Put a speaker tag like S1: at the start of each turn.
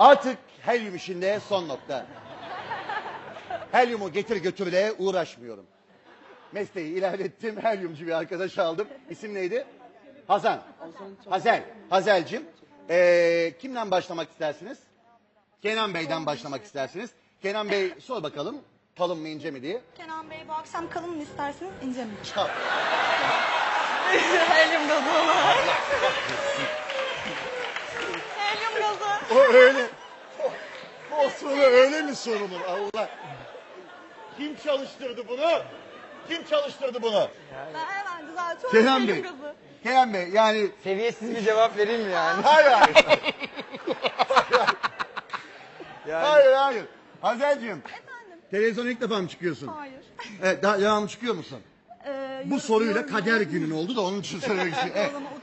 S1: Artık helyum işinde son nokta. Helyumu getir götürle uğraşmıyorum. Mesleği ilerlettim, helyumcu bir arkadaş aldım. İsim neydi? Hazan. Hazel. Hazel'cim. Kimden başlamak istersiniz? Kenan Bey'den başlamak istersiniz. Kenan Bey sor bakalım kalın mı ince mi diye.
S2: Kenan Bey bu akşam kalın mı isterseniz ince mi?
S1: Çal.
S2: Helyum gazı olarak. Helyum gazı.
S1: O öyle. O soru öyle mi sorulur Allah? Kim çalıştırdı bunu? Kim çalıştırdı bunu?
S2: Ben hemen düzeltiyorum.
S1: Kenan
S2: Helyum
S1: Bey.
S2: gazı.
S1: Kenan Bey yani.
S3: Seviyesiz bir cevap vereyim mi yani?
S1: Hayır hayır.
S3: Yani
S1: Hayır hayır. Hazel'cim.
S2: Efendim?
S1: Televizyona ilk defa mı çıkıyorsun?
S2: Hayır.
S1: Evet, daha devamlı çıkıyor musun? Bu soruyla kader günün oldu da onun için söylemek istiyorum. Evet.